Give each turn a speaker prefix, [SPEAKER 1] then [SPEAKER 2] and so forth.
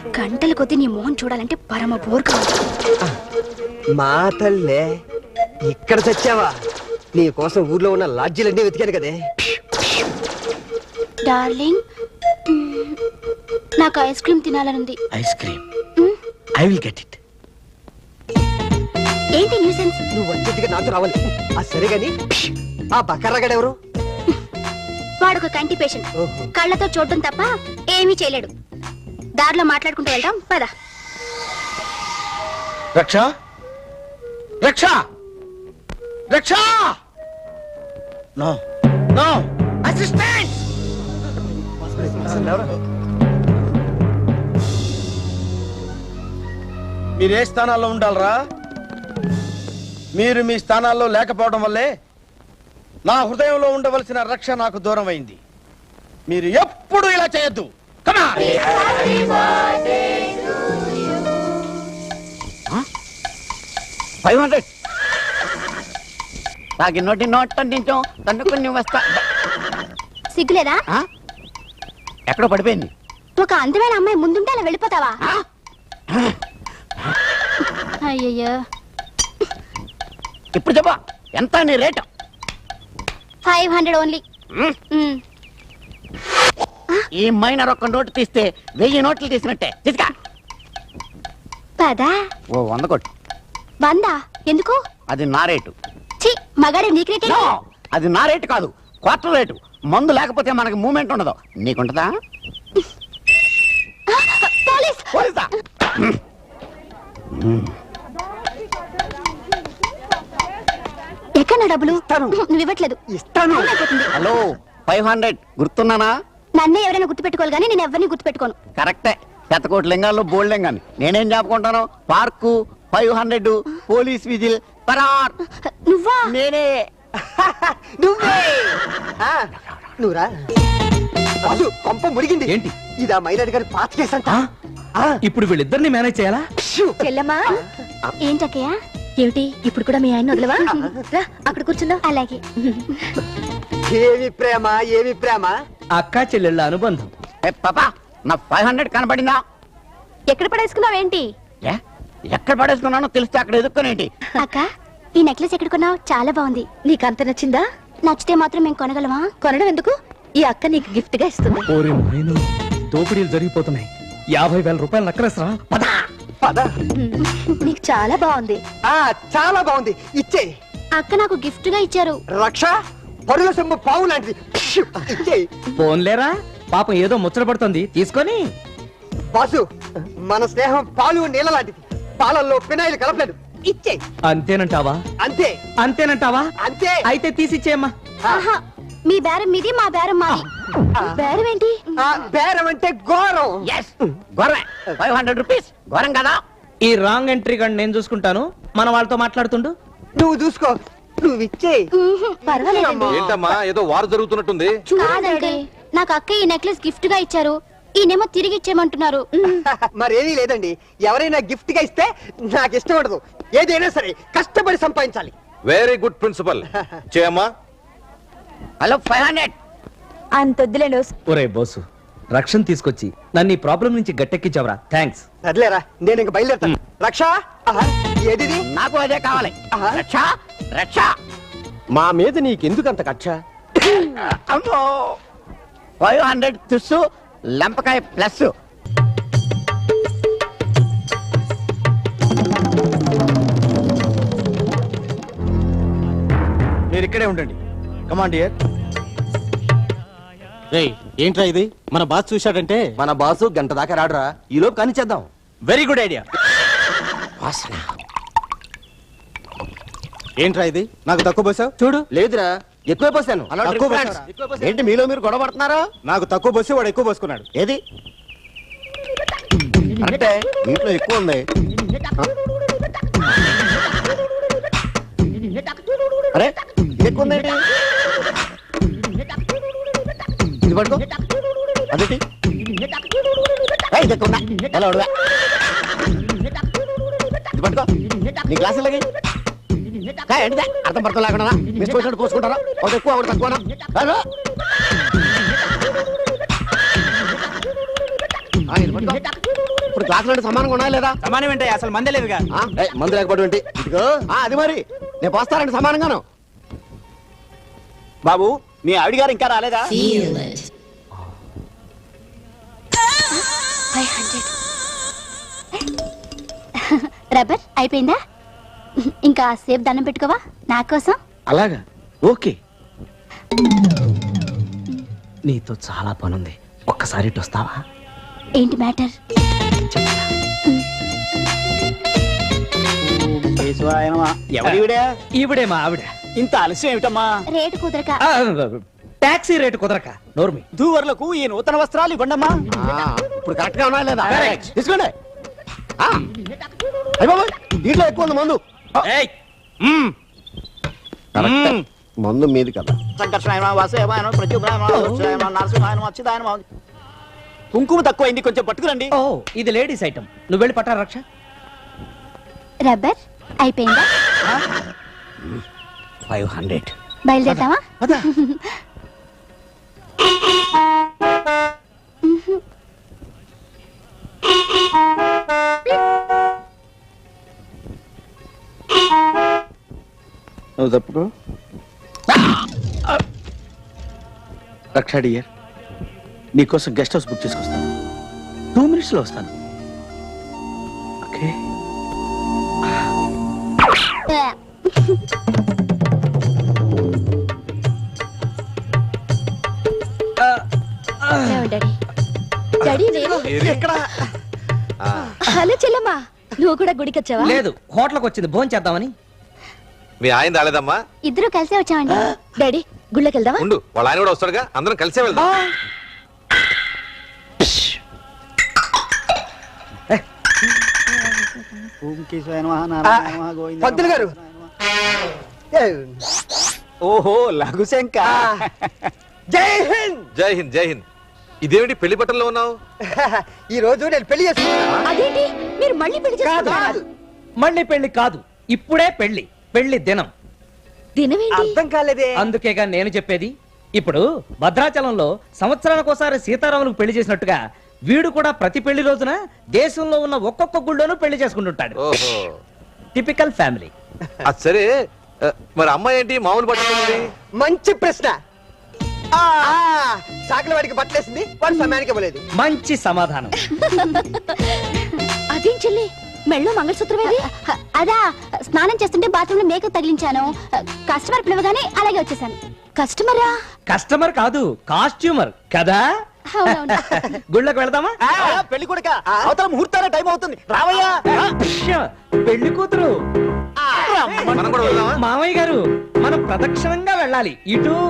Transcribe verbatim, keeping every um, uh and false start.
[SPEAKER 1] గంటల కొద్ది నీ మోహన్ చూడాలంటే పరమ బోర్ కావాలి.
[SPEAKER 2] మా తల్లే ఇక్కడ చచ్చావా? నీ కోసం ఊర్లో ఉన్న లాడ్జీలన్నీ వెతికాను కదే.
[SPEAKER 1] డార్లింగ్, నాకు ఐస్ క్రీమ్ తినాలనుంది.
[SPEAKER 3] Ice cream I will get it.
[SPEAKER 1] ఏంటి న్యూసెన్స్?
[SPEAKER 2] నువ్వు వచ్చేదిగా నాతో రావాలి. ఆ సరే గాని ఆ బకర్రగాడెవరు?
[SPEAKER 1] వాడొక కంటి పేషెంట్. కళ్ళతో చూడటం తప్ప ఏమీ చేయలేడు. దారిలో మాట్లాడుకుంటూ వెళ్దాం పద.
[SPEAKER 3] రక్ష రక్ష రక్ష నో నో అసిస్టెంట్. మీరు ఏ స్థానాల్లో ఉండాలరా? మీరు మీ స్థానాల్లో లేకపోవడం వల్లే నా హృదయంలో ఉండవలసిన రక్ష నాకు దూరం అయింది. మీరు ఎప్పుడు ఇలా చేయొద్దు. ఫైవ్ హండ్రెడ్ తాగి నోటి నోట్ అంటించాం తన్నుకుని వస్తా.
[SPEAKER 1] సిగ్గులేదా?
[SPEAKER 3] ఎక్కడో పడిపోయింది.
[SPEAKER 1] ఒక అందమైన అమ్మాయి ముందుంటే అలా వెళ్ళిపోతావా? అయ్యయ్యో,
[SPEAKER 3] ఇప్పుడు చెప్పా ఎంత నీ రేటు?
[SPEAKER 1] Five hundred only.
[SPEAKER 3] ఈ మైనర్ ఒక్క నోటు తీస్తే వెయ్యి నోట్లు తీసినట్టే. తీసుకా
[SPEAKER 1] పదా.
[SPEAKER 3] ఓ వంద కొట్టు.
[SPEAKER 1] వందా? ఎందుకు?
[SPEAKER 3] అది నా రేటు.
[SPEAKER 1] చి, మగాడే నీకు రేటే.
[SPEAKER 3] అది నా రేటు కాదు, క్వార్టర్ రేటు. మందు లేకపోతే మనకి మూమెంట్ ఉండదు. నీకుంటదా?
[SPEAKER 1] పోలీస్.
[SPEAKER 3] పోలీసా?
[SPEAKER 1] ఎక్కడ డబ్బులు? నువ్వు ఇవ్వట్లేదు.
[SPEAKER 2] ఇస్తాను.
[SPEAKER 3] హలో, ఫైవ్ హండ్రెడ్ గుర్తున్నానా?
[SPEAKER 1] నన్నే ఎవరైనా గుర్తు పెట్టుకోవాలి కానీ నేను ఎవరిని గుర్తు పెట్టుకోను.
[SPEAKER 3] కరెక్టే. శతకోటి లింగాల్లో బోల్డ్ లింగాన్ని నేనేం చెప్పుకుంటాను? Park, five hundred, police whistle, పరార్.
[SPEAKER 1] నువ్వా?
[SPEAKER 3] నేనే.
[SPEAKER 2] నువ్వే. నువ్వురా. బాసు, కొంప మురిగింది.
[SPEAKER 4] ఏంటి
[SPEAKER 2] ఇదా మైనర్ గారి పాత కేసు అంట.
[SPEAKER 4] ఇప్పుడు వీళ్ళిద్దరిని మేనేజ్ చేయాలా?
[SPEAKER 1] చెల్లమ్మా. ఏంటక్కయ్య? ఏమిటి ఇప్పుడు కూడా మీ ఆయన వదలవా? రా అక్కడ కూర్చుందా. అలాగే.
[SPEAKER 2] ఏమి ప్రేమ, ఏమి ప్రేమ.
[SPEAKER 4] అక్కా చెల్లెళ్ళ అనుబంధం.
[SPEAKER 3] పాపా, నా ఫైవ్ హండ్రెడ్ కనపడిందా?
[SPEAKER 1] ఎక్కడ పడేసుకున్నావేంటి?
[SPEAKER 3] ఎక్కడ పడేసుకున్నానో తెలిస్తే అక్కడ ఎదుర్కొనేంటి?
[SPEAKER 1] అక్క, ఈ నెక్లెస్ ఎక్కడ కొన్నావు? చాలా బాగుంది. నీకు అంత నచ్చిందా? నచ్చితే మాత్రం మేము కొనగలమా? కొనడం ఎందుకు? ఈ అక్క నీకు గిఫ్ట్ గా ఇస్తుంది.
[SPEAKER 4] ఓరి మైను, దోపిడీలు జరిగిపోతున్నాయి. యాభై వేల రూపాయలు నక్కలేసరా? పద
[SPEAKER 2] పద.
[SPEAKER 1] నీకు చాలా బాగుంది.
[SPEAKER 2] ఆ చాలా బాగుంది. ఇచ్చే.
[SPEAKER 1] అక్క నాకు గిఫ్ట్ గా ఇచ్చారు.
[SPEAKER 2] రక్ష పరుల సొమ్ము పావు లాంటిది. ఇచ్చే.
[SPEAKER 4] పోన్లేరా, పాపం ఏదో ముచ్చట పడుతుంది, తీసుకొని.
[SPEAKER 2] బాసు, మన స్నేహం పాలు నీళ్ళ లాంటిది. పాలల్లో పినాయిలు కలపలేదు. ఇచ్చే.
[SPEAKER 4] అంతేనంటావా?
[SPEAKER 2] అంతే.
[SPEAKER 4] అంతేనంటావా?
[SPEAKER 2] అంతే.
[SPEAKER 4] అయితే తీసిచ్చేయమ్మా.
[SPEAKER 1] ఆహా, మీ బేరం మీది, మా బేరం మాది. బేరం ఏంటి?
[SPEAKER 2] బేరం అంటే ఘోరం.
[SPEAKER 3] ఫైవ్ హండ్రెడ్ రూపీస్ ఘోరం కదా?
[SPEAKER 4] ఈ రాంగ్ ఎంట్రీ కానీ నేను చూసుకుంటాను. మన వాళ్ళతో మాట్లాడుతుండు.
[SPEAKER 2] నువ్వు చూసుకో. నువ్వు ఇచ్చే.
[SPEAKER 1] పర్వాలేదండి.
[SPEAKER 5] ఏంటమ్మా ఏదో వారు జరుగుతున్నట్టుంది?
[SPEAKER 1] కాదండి, నాకు అక్క ఈ నెక్లెస్ గిఫ్ట్ గా ఇచ్చారు. ఈయనేమో తిరిగి ఇచ్చేయమంటున్నారు.
[SPEAKER 2] మరేమీ లేదండి. ఎవరైనా గిఫ్ట్ గా ఇస్తే నాకు ఇష్టం ఉండదు. ఏదైనా సరే కష్టపడి సంపాదించాలి.
[SPEAKER 5] Very good principle. చేయమ్మా.
[SPEAKER 3] హలో, ఫైవ్ హండ్రెడ్
[SPEAKER 1] అంతొద్దులేండి.
[SPEAKER 4] ఒరే బోసు, రక్షణ తీసుకొచ్చి నన్ను ఈ ప్రాబ్లం నుంచి గట్టెక్కించావరా. థ్యాంక్స్.
[SPEAKER 2] సర్లేరా, నేను ఇంక బయలుదేరుతాను. రక్ష, ఏది?
[SPEAKER 3] నాకు అదే కావాలి. రక్ష రక్ష.
[SPEAKER 2] మా మీద నీకెందుకంత కక్ష?
[SPEAKER 3] అమ్మో, ఫైవ్ హండ్రెడ్ తుస్సు, లంపకాయ ప్లస్. మీరు ఇక్కడే ఉండండి. Command dear.
[SPEAKER 6] ఏంట్రా ఇది? మన బాస్ చూశాడంటే
[SPEAKER 2] మన బాసు గంట దాకా రాడురా. ఈ లోపు కానీ చేద్దాం.
[SPEAKER 3] Very good idea.
[SPEAKER 6] ఏంట్రా ఇది? నాకు తక్కువ పోసావు చూడు.
[SPEAKER 2] లేదురా, ఎక్కువ పోసాను.
[SPEAKER 6] తక్కువ పోసావా?
[SPEAKER 3] ఏంటి మీలో మీరు గొడవ పడుతున్నారా?
[SPEAKER 6] నాకు తక్కువ పోసి వాడు ఎక్కువ పోసుకున్నాడు.
[SPEAKER 3] ఏది అంటే ఇంట్లో ఎక్కువ ఉంది. అరే, ఇది ఎక్కువ ఉందేంటి? ఇది పట్టుకో. అదేంటి? ఏయ్, ఇది ఎక్కువ ఉందా? ఎలా ఉడవా? ఇది పట్టుకో. నీ గ్లాసు లాగే ఏంటిదే? అర్థం పడతా లేకుండా మిస్పోసినట్టు పోసుకుంటారా? ఒకటి ఎక్కువ ఒకటి తక్కువ. ఇది పట్టుకో.
[SPEAKER 2] ఇప్పుడు క్లాసులు సమానంగా ఉన్నాయా లేదా
[SPEAKER 6] సమానం ఏంటి అసలు మందే లేదుగా
[SPEAKER 2] ఆ, ఏయ్, మందు లేకపోవడం ఏంటి ఇదిగో ఆ, అది మరి నేను పోస్తానండి సమానంగాను
[SPEAKER 6] బాబు మీ ఆవిడ గారు ఇంకా రాలేదా
[SPEAKER 1] ఫైవ్ హండ్రెడ్ రబ్బర్ అయిపోయిందా ఇంకా సేపు దండం పెట్టుకోవా నా కోసం
[SPEAKER 4] అలాగా ఓకే నీతో చాలా పనుంది ఒక్కసారి ఇటు వస్తావా
[SPEAKER 1] ఏంటి మ్యాటర్
[SPEAKER 6] ఎవరివిడే
[SPEAKER 4] ఈవిడే మా ఆవిడ
[SPEAKER 6] ఇంత ఆలస్యం ఏమిటమ్మా
[SPEAKER 1] రేటు కుదరక
[SPEAKER 4] ఆ, టాక్సీ రేటు కుదరక నోర్మి
[SPEAKER 6] దూవర్లకు ఈ నూతన వస్త్రాలు ఇవ్వండమ్మా
[SPEAKER 2] ఆ, ఇప్పుడు కరెక్ట్ గా ఉన్నాయా లేదా
[SPEAKER 6] Correct.
[SPEAKER 2] తీసుకోండి ఆ, అయ్ బాబోయ్, దీంట్లో ఎక్కువ ఉంది మందు
[SPEAKER 6] ఏయ్! మ్మ్.
[SPEAKER 2] కరెక్టే.
[SPEAKER 6] మ్మ్.
[SPEAKER 2] మందు మీది కదా
[SPEAKER 6] సంకర్షణాయనమా, వాసుదేవాయనమా, ప్రత్యుగ్రాయనమా, వత్సరాయనమా, నరసింహాయనమా, అచ్యుతాయనమా. కుంకుమ తక్కువైంది కొంచెం పట్టుకురండి
[SPEAKER 4] ఓ ఇది లేడీస్ ఐటమ్ నువ్వు వెళ్ళి పట్టా రక్ష
[SPEAKER 1] రబ్బర్ అయిపోయిందా
[SPEAKER 6] ఫైవ్ హండ్రెడ్
[SPEAKER 1] బయలుదేరుతావా
[SPEAKER 3] నువ్వు తప్పుకో రక్షా డియర్ నీకోసం గెస్ట్ హౌస్ బుక్ చేసుకొస్తాను టూ మినిట్స్ లో వస్తాను ఓకే
[SPEAKER 1] డాడీ డాడీ నేను
[SPEAKER 2] ఎక్కడ
[SPEAKER 1] హలో చెల్లమ్మా నువ్వు కూడా గుడికి వచ్చావా
[SPEAKER 4] లేదు హోటల్కి వచ్చింది భోజనం చేద్దామని
[SPEAKER 5] మీ ఆయన రాలేదమ్మా
[SPEAKER 1] ఇద్దరు కలిసే వచ్చామండి డాడీ గుళ్ళకి వెళ్దామా
[SPEAKER 5] ఉండు వాళ్ళ ఆయన కూడా వస్తాడుగా అందరం కలిసే వెళ్దాం
[SPEAKER 2] పంతులు గారు ఏ,
[SPEAKER 6] ఓహో లఘుశంక
[SPEAKER 2] జై హింద్
[SPEAKER 5] జై హింద్ జై హింద్ ఇదేమిటి పెళ్లి బట్టల్లో ఉన్నావు
[SPEAKER 2] ఈ రోజు నేను పెళ్లి చేసుకున్నా
[SPEAKER 1] అదేంటి మీరు మళ్ళీ పెళ్లి చేసుకుంటారా
[SPEAKER 4] మళ్ళీ పెళ్లి కాదు ఇప్పుడే పెళ్లి పెళ్లి దినం
[SPEAKER 1] దినమేంటి
[SPEAKER 2] అర్థం కాలేదే
[SPEAKER 4] అందుకేగా నేను చెప్పేది ఇప్పుడు భద్రాచలంలో సంవత్సరానికి ఒకసారి సీతారాములకు పెళ్లి చేసినట్టుగా వీడు కూడా ప్రతి పెళ్లి రోజున దేశంలో ఉన్న ఒక్కొక్క గుళ్ళోనూ పెళ్లి చేసుకుంటుంటాడు
[SPEAKER 5] ఓహో
[SPEAKER 4] టిపికల్ ఫ్యామిలీ
[SPEAKER 5] అది సరే ఆ, మరి అమ్మాయి ఏంటి మామూలు బట్టలు
[SPEAKER 2] మంచి ప్రశ్న ఆ, సాకిల వాడికి బట్టలేసింది వాడు సమయానికి ఇవ్వలేదు
[SPEAKER 4] మంచి సమాధానం
[SPEAKER 1] అదేం చెల్లి మెళ్ళో మంగళసూత్రమేది అదా స్నానం చేస్తుంటే బాత్రూమ్ లో మేకప్ తగిలించాను కస్టమర్ పిలవగానే అలాగే వచ్చేసాను కస్టమరా
[SPEAKER 4] కస్టమర్ కాదు కాస్ట్యూమర్ కదా
[SPEAKER 1] అవునవును.
[SPEAKER 4] గుళ్ళకి వెళ్దామా
[SPEAKER 6] పెళ్లి కొడుక అవతల ముహూర్తాల టైం అవుతుంది రావయ్యా
[SPEAKER 4] ష్య, పెళ్లి కూతురు
[SPEAKER 5] మనం కూడా వెళ్దామా
[SPEAKER 4] మామయ్య గారు మనం ప్రదక్షిణంగా వెళ్ళాలి ఇటు